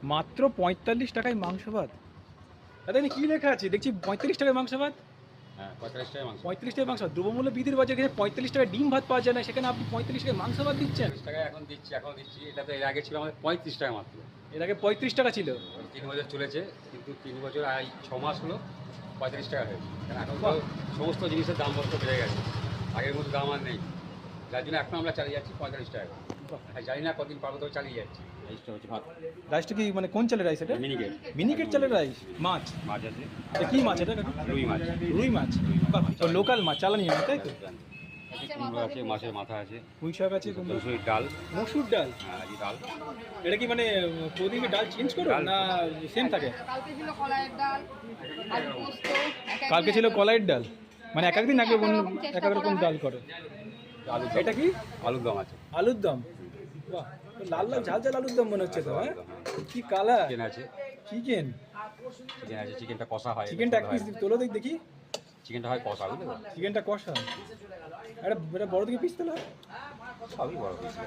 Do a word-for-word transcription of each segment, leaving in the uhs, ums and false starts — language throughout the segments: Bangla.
মাত্র পঁয়তাল্লিশ টাকায় মাংস ভাত। দাদা কি লেখা আছে দেখছি পঁয়তাল্লিশ টাকায় মাংস ভাত? হ্যাঁ পঁয়তাল্লিশ টাকা মাংস। পঁয়ত্রিশ টাকায় মাংস। দ্রব্যমূল্য বৃদ্ধির বাজারে এখানে পঁয়তাল্লিশ টাকায় ডিম ভাত পাওয়া যায় না, সেখানে আপনি পঁয়তাল্লিশ টাকায় মাংস ভাত দিচ্ছেন। পঁয়ত্রিশ টাকা এখন দিচ্ছি, এখন দিচ্ছি। এটা তো এর আগে ছিল আমাদের পঁয়ত্রিশ টাকা মাত্র। এর আগে পঁয়ত্রিশ টাকা ছিল। তিন বছর চলেছে, কিন্তু তিন বছর আর এই ছ মাস হলো পঁয়ত্রিশ টাকা হয়েছে। কারণ এখন তো সমস্ত জিনিসের দাম বস্ত বেড়ে গেছে, আগের মতো দাম আর নেই। যার জন্য এখন আমরা চালিয়ে যাচ্ছি পঁয়তাল্লিশ টাকা। হ্যাঁ, জানি না কদিন পাবো, তো চালিয়ে যাচ্ছি। রাইসটা হচ্ছে ভাত। রাইসটা কি মানে কোন চালের রাইস এটা? মিনিকেট। মিনিকেট চালের রাইস। মাছ মাছ আছে। এটা কি মাছ এটা? রুই মাছ। রুই মাছ, লোকাল মাছ, চালানি মাছ, তাই তো? কুমড়ো আছে, মাছের মাথা আছে, পুঁই শাক আছে, কুমড়ো, মসুর ডাল। মসুর ডাল। হ্যাঁ, এই ডাল। এটা কি মানে প্রতিদিন ডাল চেঞ্জ করো ডাল না সেম থাকে? কালকে ছিল কলাইয়ের ডাল, আলু পোস্ত, এক এক কালকে দিন ছিল এক এক- কলাইয়ের ডাল, মানে এক একদিন এক এক এক এক রকম চেষ্টা এক এক রকম করা ডাল হয়। করে। আলু এটা কি? আলুর দম আছে। আলুর দম। বাহ, লাল লাল ঝাল ঝাল আলুর দম মনে হচ্ছে তো। হ্যাঁ, কি কালার। চিকেন আছে। চিকেন চিকেন আছে, চিকেনটা কষা হয়। চিকেনটা এক পিস তোলো দেখ দেখি। চিকেনটা হয় কষা, বুঝলে তো? চিকেনটা কষা। এটা এটা বড় দিকে পিস তোলা। সবই বড় পিস।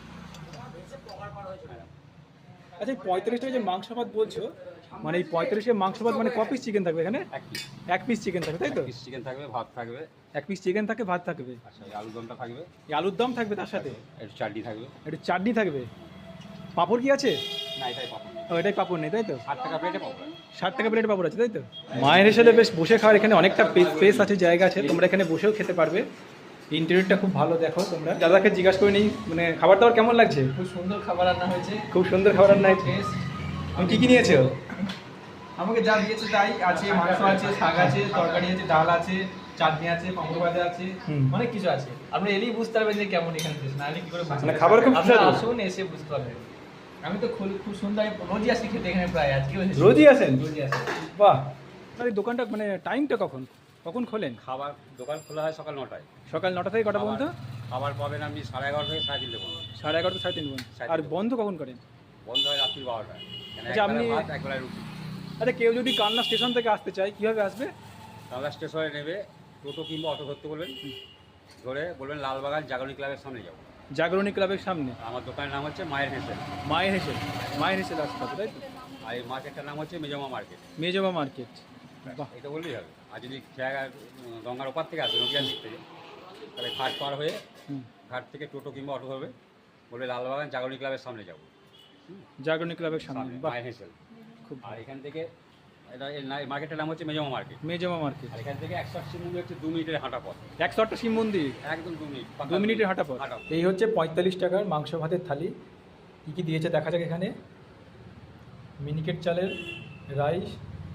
আচ্ছা, এই পঁয়তাল্লিশ টাকা যে মাংস ভাত বলছো, মানে এই পঁয়তাল্লিশ টাকা মাংস ভাত মানে ক পিস চিকেন থাকবে এখানে? এক পিস। এক পিস চিকেন থাকবে, তাই তো? পিস চিকেন থাকবে, ভাত থাকবে। এক পিস চিকেন থাকে, ভাত থাকবে, আচ্ছা, এই আলুর দমটা থাকবে। এই আলুর দম থাকবে, তার সাথে একটু চাটনি থাকবে। একটু চাটনি থাকবে। পাঁপড় কি আছে? না, এটাই পাপড়। ও, এটাই পাঁপড় নেই, তাই তো? ষাট টাকা প্লেটে পাপড়। ষাট টাকা প্লেট পাঁপড় আছে, তাই তো? মায়ের হিসেবে বেশ বসে খাওয়ার এখানে অনেকটা স্পেস আছে, জায়গা আছে, তোমরা এখানে বসেও খেতে পারবে। ইন্টেরিয়রটা খুব ভালো, দেখো তোমরা। দাদাকে জিজ্ঞাসা করে নিই, মানে খাবার দাবার কেমন লাগছে? খুব সুন্দর খাবার রান্না হয়েছে। খুব সুন্দর খাবার রান্না হয়েছে। Taste। তুমি কি কি নিয়েছো? আমাকে যা দিয়েছে তাই আছে, মাংস আছে, শাক আছে, তরকারি আছে, ডাল আছে, চাটনি আছে, পাঁপড় ভাজা আছে, হুম। অনেক কিছু আছে। আপনি এলেই বুঝতে পারবেন যে কেমন এখানে টেস্ট, না হলে কি করে বুঝতে মানে পারবেন? খাবার খুব আপনারা সুস্বাদু। আসুন, এসে বুঝতে পারবেন। আমি তো খুব খুব সুন্দর, আমি রোজই আসি খেতে এখানে, প্রায় আজকেও এসেছি। রোজই আসেন? রোজই আসি। বাহ। আর এই দোকানটা মানে টাইমটা কখন কখন খোলেন? খাবার দোকান খোলা হয় সকাল নটায়। সকাল নটা থেকে কটা পর্যন্ত? খাবার পাবেন আপনি সাড়ে এগারো থেকে সাড়ে তিনটে পর্যন্ত। সাড়ে এগারোটা সাড়ে তিন পর্যন্ত। সাড়ে আর তিনটে। বন্ধ কখন করেন? বন্ধ হয় রাত্রি বারোটায়। কেন, আচ্ছা, একবেলা আপনি- ভাত, একবেলা রুটি। আচ্ছা, কেউ যদি কালনা স্টেশন থেকে আসতে চায় কিভাবে আসবে? কালনা স্টেশনে নেবে, টোটো কিংবা অটো ধরতে বলবেন। ধরে বলবেন লালবাগান জাগরণী ক্লাবের সামনে যাবো। জাগরণী ক্লাবের সামনে। আমার দোকানের নাম হচ্ছে মায়ের হেসেল। মায়ের হেসেল। মায়ের হেসেল আসতে হবে, তাই তো? আর এই মার্কেটটার নাম হচ্ছে মেজমা মার্কেট। মেজবা মার্কেট। বাহ। এটা বললেই হবে। আর যদি খেয়া গঙ্গার ওপার থেকে আসবে, নদীয়ার দিক থেকে, তাহলে ঘাট পার হয়ে হুম। ঘাট থেকে টোটো কিংবা অটো ধরবে, বলবে লালবাগান জাগরণী ক্লাবের সামনে যাবো। জাগরণী ক্লাবের সামনে। সামনে বাহ, মায়ের হেসেল। খুব আর এখান থেকে এটা এই না- এই মার্কেটের নাম হচ্ছে মেজমা মার্কেট। মেজবা মার্কেট। আর এখান থেকে একশো আশি মন্দির হচ্ছে দু মিনিটের হাঁটা পথ। একশো আটটা শিব মন্দির, একদম দু মিনিট, দু মিনিটের হাঁটা পথ। হাঁটা পথ। এই হচ্ছে পঁয়তাল্লিশ টাকার মাংস ভাতের থালি। কী কী দিয়েছে দেখা যাক এখানে। মিনিকেট চালের রাইস,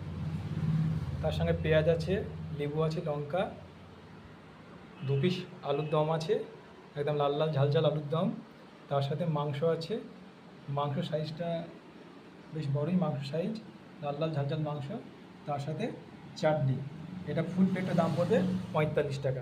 তার সঙ্গে পেঁয়াজ আছে, লেবু আছে, লঙ্কা, দু পিস আলুর দম আছে, একদম লাল লাল ঝাল ঝাল আলুর দম। তার সাথে মাংস আছে, মাংস সাইজটা বেশ বড়ই মাংস সাইজ, লাল লাল ঝাল ঝাল মাংস, তার সাথে চাটনি। এটা ফুল প্লেটের দাম পড়বে পঁয়তাল্লিশ টাকা।